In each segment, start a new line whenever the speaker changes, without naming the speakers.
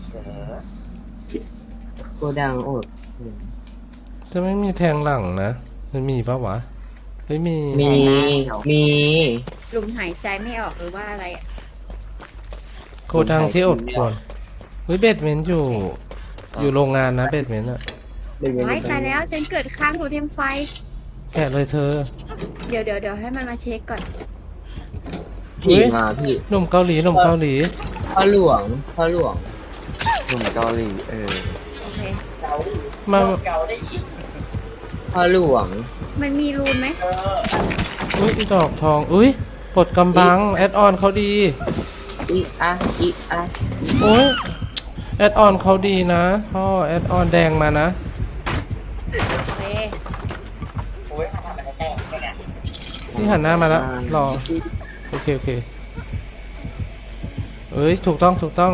เออ
โกดังอด
จะไม่มีแทงหลังนะมันมีปะวะเฮ้ยมี
มี มี
ลมหายใจไม่ออกหรือว่าอะไรอ่ะ
โกดังที่อดควรเฮ้ยเบดเมนต์อยู่ อยู่โรงงานนะเบดเมนต์อะ
ไว้ตายแล้วฉันเกิดข้างโทเทมไฟ
แกะเลยเธอ
เดี๋ยวให้มันมาเช็คก่อน
ผีมาพี่
หนุ่มเกาหลีหนุ่มเกาหลี
พ่อหลวงพ่อหลวง
หนุ่มเกาหลี
โอเค
เกาหลี
มา
เกาได้อีก
พ่อหลวง
มันมีรูนไหม
อุ้ยอีดอกทองอุ้ยปลดกำบังแอดออนเขาดี
อีอะอีอะ
โอ้ยแอดออนเขาดีนะพ่อแอดออนแดงมานะ
โอเค
โอ้ยทำอะไรแต่งเนี่ย
ที่หันหน้ามาแล้วรอโอเคโอเคเอ้ยถูกต้องถูกต้อง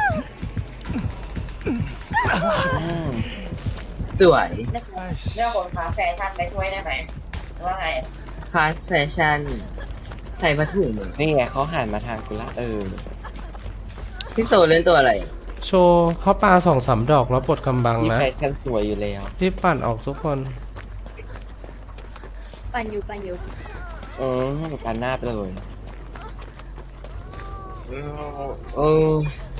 สวย
เรื่องคนค้าแฟชั่นไปช่วยได้ไหมว่าไง
คาสแฟชั่น ใส่ผ้าถุงเหมือน
นี่ไงเขาหันมาทางกูละ
พี่โตเล่นตัวอะไร
โชว์เขาปา2-3 ดอกแล้วปลดกำบัง
นี่
นะ
แฟชั่นสวยอยู่แล้ว
รีบปั่นออกทุกคน
ปั่นอยู่
การหน้าไปเลย
เออเออ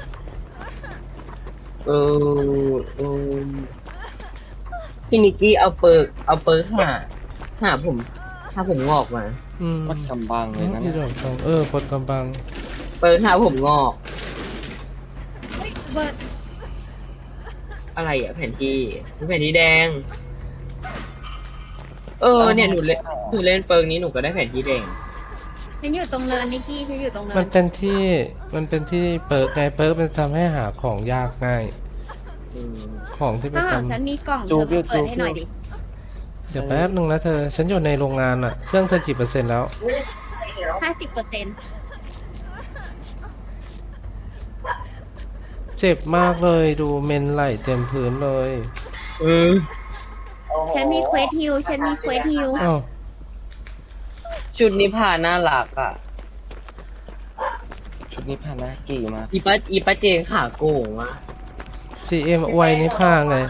เออพี่นิกกี้เอาเปิร์กหาผมงอกมา
อืม
วัดกำบังเลยนะ
ที่ดอกทองปลดกำบัง
เปิร์กหาผมงอก
เบิร์ด
อะไรอ่ะแผ่นที่แดง เนี่ยหนูเล่นเปิร์กนี้หนูก็ได้แผ่นที่แดง
ฉันอยู่ตรงเนินนิกกี้ฉันอยู่ตรงเนิ
มัน นเป็นที่เปิร์กไงเปิร์กมันทำให้หาของยากง่าย
อืม
ของที่ไป
ข้างหลัง
ทำ
ฉันมีกล่องเธอมาเปิดให้หน่อยดิ
เดี๋ยวแป๊บนึงนะเธอ ฉันอยู่ในโรงงานอะเครื่องเธอกี่เปอร์เซ็นต์แล้ว
50%
เจ็บมากเลยดูเมนไหลเต็มพื้นเลย
อืม
ฉันมีเควสฮิล
อ้าว
ชุดนิพาน่ารักอ่ะ
ชุดนี้พานากี่มา
อีป้าเจนขาโก่งอ่ะ
GM อวยนี่ผ้าไง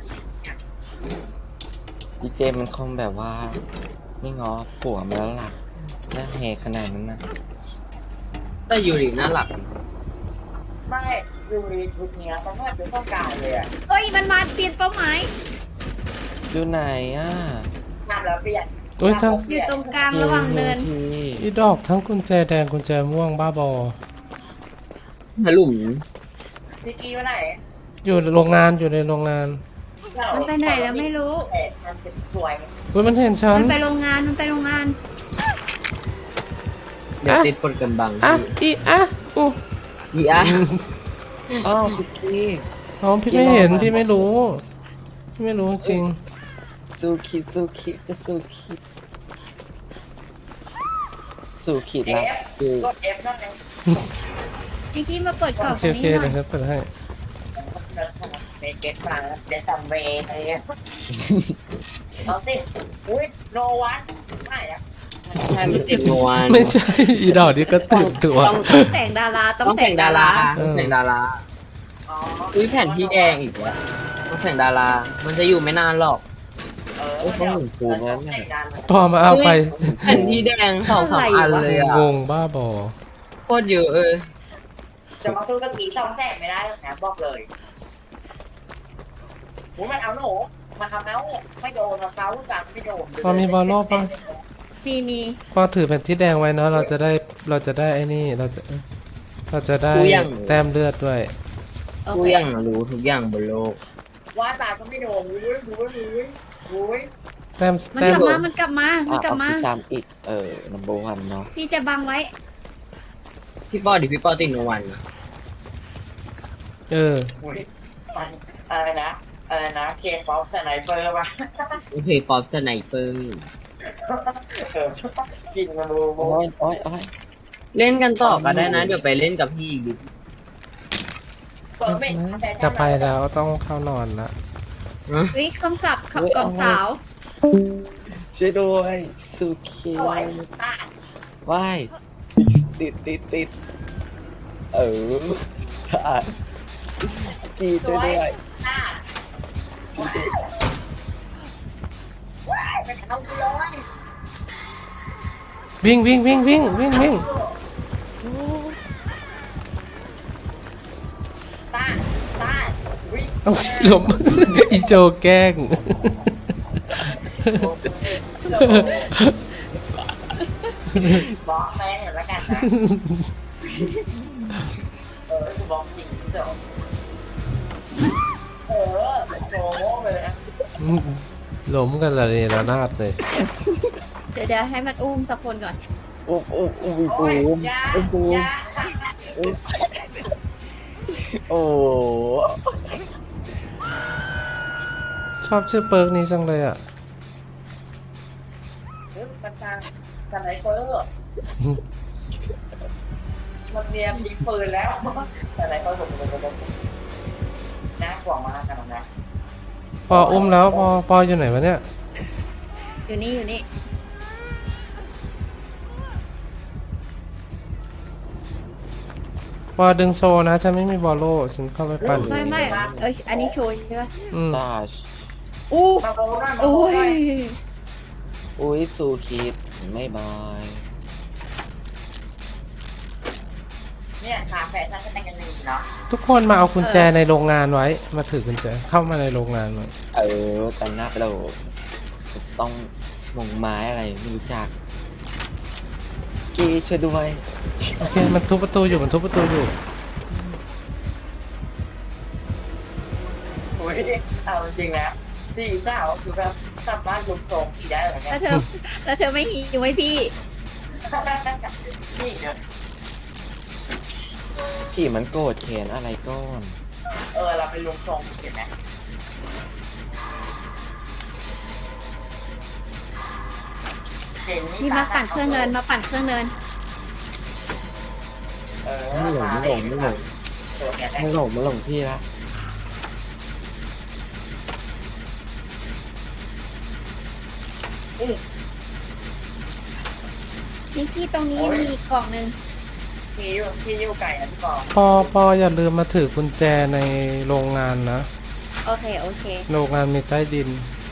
ดีเจมันคงแบบว่า ไม่ง้อผัวมาแล้วล่ะหน้าแหกขนาดนั้นนะ
แต่ยูริน่ารัก
ไม่ดูรีชุดเนี้ยมันไม่เป็นต้องการเลยอ่ะ
เฮ้ยมันมาเปลี่ยนเป้าหมาย
อยู่ไหนอ่ะ
ทำแล้วเปลี่ยน
โอ้ยทั้ง
อยู่ตรงกลางระหว่างเนิน
พี่
อีดอกทั้งกุญแจแดงกุญแจม่วงบ้าบอ
หาหลุม
พี่กี้ว่าไหน
อยู่ในโรงงานอยู่ในโรงงาน
มันไปไหนแล้วไม่รู้
มันเป็นสวย
อุ้ยมันเห็นฉัน
มันไปโรงงาน
เดี๋ยวติดปนกันบัง
อ่ะอีอ่ะอู้
อีอะ
อ้าวคุกกี้
อ๋อพี่ไม่เห็นพี่ไม่รู้พี่ไม่รู้จริง
สู้คิดก็สู้คิดสู้คิด
เอ
แล้ว
ฟ
คือ
กดเอฟนั่นเอง
นิกกี้มาเปิดกล่อง
โอ
ต
เค
รง
โอ
นี้
เค
หน่อย
เดี๋ยวครับเปิดให้
เบสมาเดซัมเวย์อะไรเงี้ยเอาสิอุ้ยโนวันไม่อะ
ใช่ไม่เสียงนวล
ไม่ใช่อีดอกนี่ก็ตื่นตัว
ต้องแสงดาราต้อง
ต้อง
แส
แต่
ง
ง
ดา
ดา
รา
ราต้องแต่งดารา
อ๋อ
อุ้ยแผ่นที่แดงอีกแล้วต้องแต่งดารา มันจะอยู่ไม่นานหรอก
พอมาเอาไป
แผ่นที่แดง2-3 อันเลยอ่ะ
งงบ้าบอ
โคตรเยอะ
จะมาสู้กับผี200,000ไม่ได้หรอกนะบอกเลยมันเอาหนูมาทำเอาไม่โดนเขาสั่งไม่โดน
พอมีบอลโลกปะ
มี
พอถือแผ่นที่แดงไว้เนาะเราจะได้ไอ้นี่เราจะได้แต้มเลือดด้วย
โอ
ทุก
เค
อย่างรู้ทุกอย่างบนโลก
ว่าตาก็ไม่โดนอุ้ย
แต้ม
มัน
แต้
ก
ม
ลับมา มันกลับมา
เอา
กลับมา
พี่ตามอีกnumber one เนาะ
พี่จะบังไว้
พี่ปอติดโนวันนะ
อะไรนะเคป๊อปสไนเปอร์ป่ะ
โอเคป๊อปสไนเปอร์
กินมาดู
โอ้ย
เล่นกันต่อก็ได้นะ เดี๋ยวไปเล่นกับพี่อีกดิ
จะไปแล้วต้องเข้านอนละ
วิคำศัพท์ขับกล่องสาว
ช่วยด้วยสุขีว่ายติดเออกีช่วยด้วย
ต้าว้ายไปเอากูเลย
วิ่งวิ่งวิ่งวิ่งวิ่งวิ่ง
ต้าวิ่ง
เอาหลม อีโจแกล้ง
บอกแม่งแล้วกันนะกูบอกจริงเดี๋ยวโชว์เลยนะ
หลมกันละเนี่ยระนาดเลย
เดี๋ยวให้มันอุ้มสักคนก่อน
อุ้มอุ้มอุ้มอุ้ม
โอ้ย
อุ้ม
ยา
อุ้มอุ้ม
ยา
โอ้
ชอบชื่อเปิร์กนี้จังเลยอ่ะ
มันทางสไนเปอร์มันเตรียมยิงปืนแล้วสไนเปอร์ผมน่ากลัวมากกันนะ
ปออุ้มแล้วปออยู่ไหนวะเนี่ย
อยู่นี่อยู่นี่
ปอดึงโซนะฉันไม่มีบอลโล่ฉันเข้าไปปั่น
ไม่อันนี้โชว์ใช่ปะ
อืม
ตาช
อู้
มาโบนะมา
โอ้
โบ
ย
นะ
อุ้ยสูคิดไม่บาย
เนี่ยขาแฟชั่นก็แต่งกันดีเนาะ
ทุกคนมาเอากุญแจในโรงงานไว้ มาถือกุญแจเข้ามาในโรงงานหน่อย
ตอนหน้าเราต้องมงไม้อะไรไม่รู้จัก กีช่วยด้วย
โอเคมันทุบประตูอยู่มันทุบประตูอยู่
โอ้ยเอาจริงแล้วสี่สาวคือแบบกลับบ้านลุกทรงขี่ได้เหมือนกั
แล้
น
วเธอไม่หิวไหมพี่
นี่เดี๋ยว
ขี่มันโกรธเขนอะไรก้อน
เราไปลุกทรงเห็นไหมเจ๋ง
นี่มาปั่นเครื่องเนินมาปั่นเครื่องเนิน
ไม่หลงไม่หลงไม่หลงไม่หลงไม่หลงพี่ละ
นิกกี้ตรงนี้มีอีกกล่องหนึ่ง
พี่ยูไก่นะพี่บอก
ปออย่าลืมมาถือกุญแจในโรงงานนะ
โอเคโอเค
โรงงานมีใต้ดิน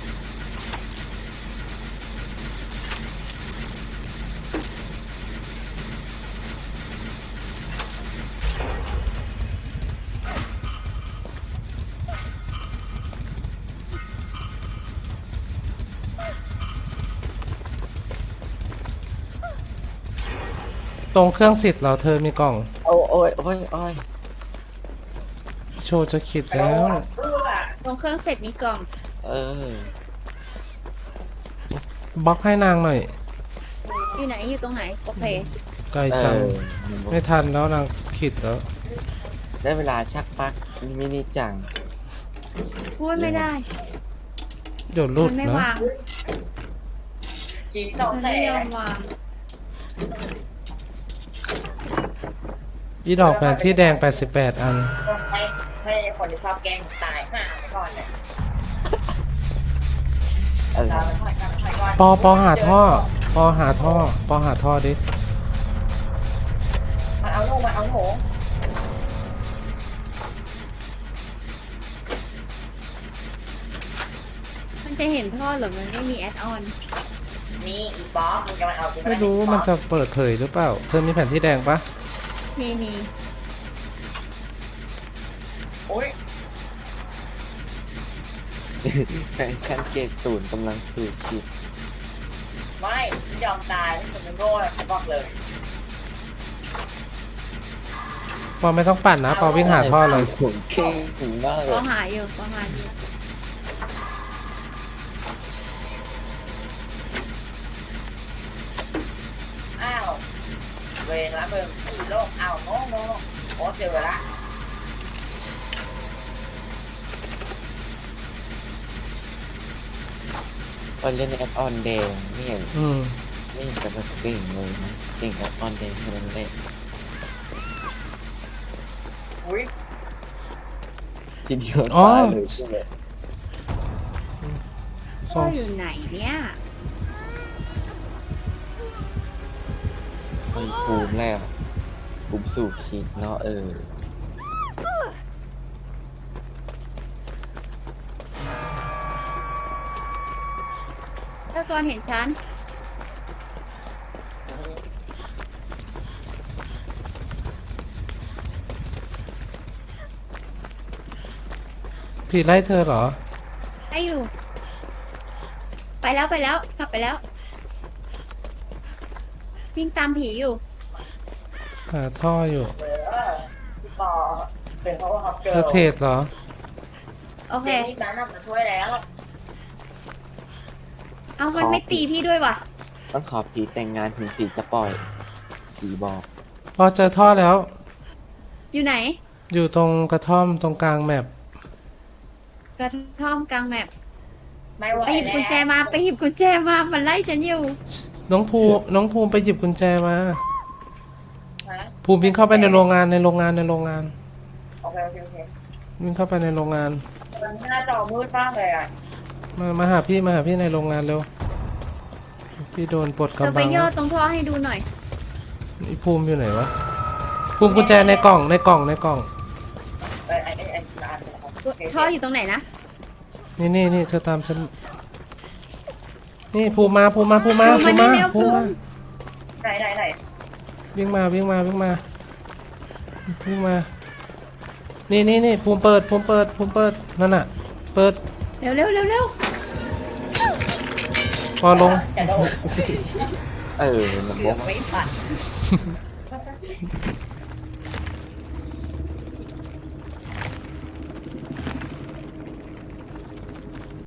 ตรงเครื่องสิทธิ์เราเธอมีกล่อง
โอ้โอ้ยโอ้ยโอ้ย
โชว์จะขิดแล้ว
ตรงเครื่องเสร็จมีกล่อง
เออบ
ล็อกให้นางหน่อย
อยู่ไหนอยู่ตรงไหนโอเค
ไกลจัง ไม่ทันแล้วนางขิดแล้ว
ได้เวลาชักปลักมินิจัง
พูดไม่ได้
เดี๋ยวหลุ
มั
ด
นไม่
นะ
วาง
กี่สอง
มัน
แส
ไม่ยอน มวาง
อีดอกแผนที่แดง 88 อัน
ให้คนที่ชอบแกล้งตายห่าไปก่อนเนี่ย
อะไร
เราไปก่อน
ปอหาท่อ ปอหาท่อ ปอหาท่อดิ
มาเอาลูกมาเอาหมู
มันจะเห็นท่อหรือมันไม่มีแอดออน
มีอีบอสมึงจะมาเอากู
ไม่รู้มันจะเปิดเผยหรือเปล่า เธอมีแผนที่แดงปะ
มี
โอ้ย
แฟชั่นเกรดศูนย์กำลังสูบคิด
ไม่ยอมตายที่เป็นโง่เขาบอกเลย
ปอไม่ต้องปั่นนะ ปอวิ่งหาท่อเลย
ผมเก่งถึงมากเล
ก็
ย
หาอยู่ก็หาอยู่
อ้าวเวรละมึงอีโลกอ้าวโง่โอ้เจอละ
ตอนเล่นแอดออนแดงไม่เห็น
อืม
ไม่เห็นจะแบบเก่งเลยนะเก่งแอดออนแดงแค่นั้นแหละ
อุ้ย
ทีเดียว
อ๋อ
ตายเลยใช่ไหม
ท่ออยู่ไหนเนี่ย
มันภูมิแล้วภูมิสู่คิดเนาะ
ก่อนเห็นฉัน
ผีไล่เธอเหรอ
ให้อยู่ ไปแล้วไปแล้วกลับไปแล้ว วิ่งตามผีอยู่
หาท่ออยู่
เออพี่ปอเป็นเพราะว่าเขาเจ
เธ
อ
อเทรดเหรอ
โอเค
เจนี่นั้นน่ะมาช่วยแล้ว
เอามันไม่ตีพี่ด้วยว่ะ
ต้องขอผีแต่งงานถึงผีจะปล่อยผีบอก
พอเจอท่อแล้ว
อยู่ไหน
อยู่ตรงกระท่อมตรงกลางแมป
กระท่อมกลางแมป
ไม่ไหว
ไปหยิบ
แล้ว
กุญแจมา ไปหยิบกุญแจมา มันไล่ฉันอยู่
น้องภูมิไปหยิบกุญแจมา
ฮะ
ภูมิวิ่งเข้าไปในโรงงาน
โอเคโอเค
วิ่งเข้าไปในโรงงาน
มันหน้าจอมืดมากเลยอ่ะ
มาหาพี่ในโรงงานเร็ว พี่โดนปลด
เธอก
ำ
ไป
บัง
ย่อตรงท่อให้ดูหน่อย
นี่ภูมิอยู่ไหนวะ ภูมิกุญแจในกล่อง
ไอ้อันนะครับโอเค
ท่ออยู่ตรงไหนนะ
นี่เธอตามฉัน นี่ภูมิมา
ภูมิมานี่เร็วภูมิ
ไหน
วิ่งมา นี่ภูมิเปิด นั่นน่ะ เปิด
เร็วเร็วเร็วเร็ว
พอลง
จะโดน
มัน
เกื
บ
อ
อบ ก
ไม่ทัน